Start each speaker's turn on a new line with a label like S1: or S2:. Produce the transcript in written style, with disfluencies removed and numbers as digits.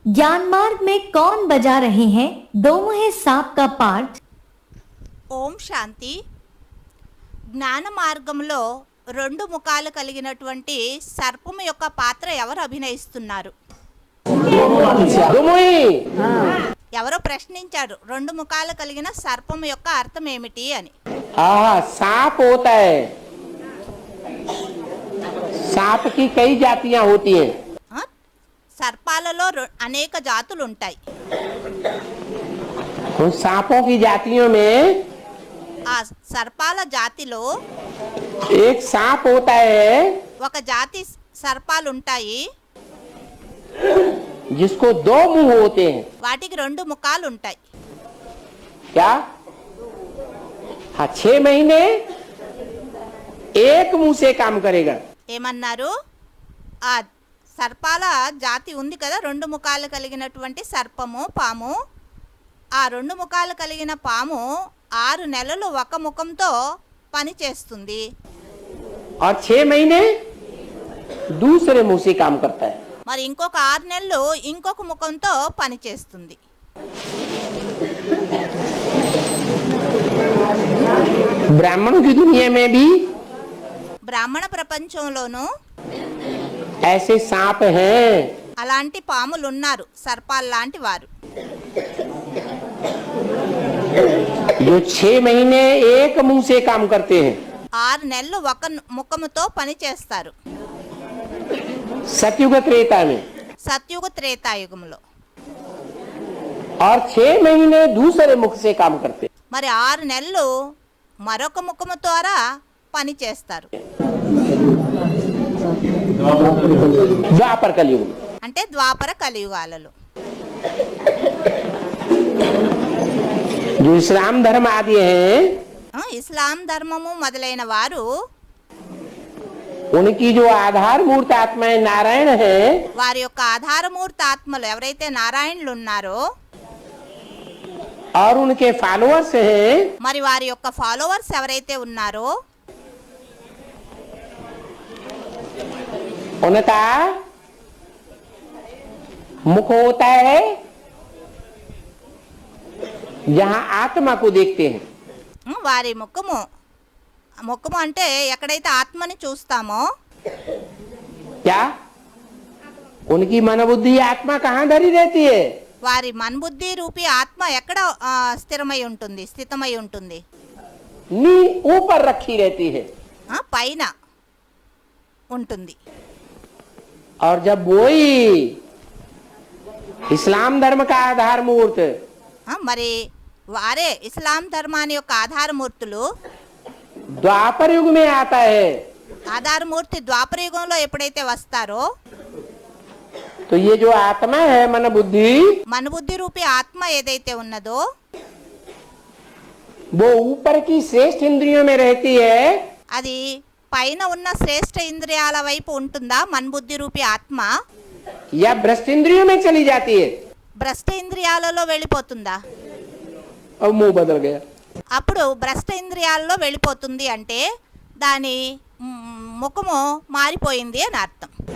S1: ज्ञान मार्ग में कौन बजा रहे हैं दो मुहे सांप का पाठ।
S2: ఓం శాంతి. జ్ఞాన మార్గంలో రెండు ముఖాలు కలిగినటువంటి సర్పము యొక్క పాత్ర ఎవరు అభినయిస్తున్నారు? ఎవరో ప్రశ్నించారు, రెండు ముఖాలు కలిగిన సర్పము యొక్క అర్థం ఏమిటి అని.
S3: सांप होता है, सांप की कई जातियां होती हैं.
S2: సర్పాలలో అనేక జాతులు ఉంటాయి.
S3: उन सांपों की जातियों में
S2: ఆ సర్పాల జాతిలో
S3: एक सांप होता है
S2: ఒక జాతి సర్పాలు ఉంటాయి,
S3: जिसको दो मुंह होते हैं.
S2: వాటికి రెండు ముఖాలు ఉంటాయి.
S3: क्या? हाँ, 6 महीने एक मुंह से काम करेगा.
S2: ఏమన్నారు? ఆ సర్పాల జాతి ఉంది కదా, రెండు ముఖాలు కలిగినటువంటి సర్పము, పాము. ఆ రెండు ముఖాలు కలిగిన పాము 6 నెలలు ఒక ముఖంతో పని చేస్తుంది.
S3: और 6 महीने दूसरे मुंह से काम करता है.
S2: మరి ఇంకొక 6 నెలలు ఇంకొక ముఖంతో పని చేస్తుంది.
S3: ब्राह्मणों की दुनिया में भी
S2: బ్రాహ్మణ ప్రపంచంలోనూ
S3: ऐसे सांप हैं
S2: అలాంటి పాములు ఉన్నారు, సర్పాలు లాంటి వారు.
S3: जो 6 महीने एक मुंह से काम करते हैं.
S2: 6 నెలలు ఒక ముఖముతో పని చేస్తారు.
S3: सतयुग त्रेता में.
S2: సత్యుగ త్రేతాయుగంలో.
S3: और 6 महीने दूसरे मुख से काम करते हैं.
S2: మరి 6 నెలలు మరొక ముఖము ద్వారా పని చేస్తారు.
S3: द्वापर कलयुग में.
S2: అంటే ద్వాపర కలియుగాలలో.
S3: जो इस्लाम धर्म आदि हैं,
S2: ఇస్లాం ధర్మము మొదలైన వారు
S3: उनकी जो आधार मूर्त आत्माएं नारायण हैं,
S2: వారి యొక్క ఆధారమూర్తి ఆత్మలు ఎవరైతే నారాయణులు ఉన్నారో,
S3: और उनके फॉलोअर्स हैं,
S2: మరి వారి యొక్క ఫాలోవర్స్ ఎవరైతే ఉన్నారో,
S3: उनका मुख होता है जहां आत्मा को देखते हैं.
S2: వారి ముఖము అంటే ఎక్కడైతే ఆత్మని చూస్తామో,
S3: क्या उनकी मनोबुद्धि आत्मा कहाँ धरी रहती है?
S2: వారి మన్బుద్ధి రూపీ ఆత్మ ఎక్కడ స్థితమై ఉంటుంది?
S3: नी ऊपर रखी रहती है.
S2: పైన ఉంటుంది.
S3: और जब वही इस्लाम धर्म का आधार मूर्त
S2: మరి వారే ఇస్లాం ధర్మాన్ని యొక్క ఆధారమూర్తులు
S3: द्वापर युग में आता है,
S2: ఆధారమూర్తి ద్వాపర యుగంలో ఎప్పుడైతే వస్తారో,
S3: तो ये जो आत्मा है मन बुद्धि,
S2: మనుబుద్ధి రూపీ ఆత్మ ఏదైతే ఉన్నదో
S3: वो ऊपर की श्रेष्ठ इंद्रियों में रहती है,
S2: అది పైన ఉన్న శ్రేష్ఠ ఇంద్రియాల వైపు ఉంటుందా? మన్బుద్ధి రూపీ ఆత్మ
S3: या भ्रष्ट इंद्रियों में चली जाती है.
S2: భ్రష్ట ఇంద్రియాలలో వెళ్ళిపోతుందా?
S3: अब मुंह बदल गया.
S2: అప్పుడు భ్రష్ట ఇంద్రియాలలో వెళ్ళిపోతుంది అంటే దాని ముఖము మారిపోయింది అని అర్థం.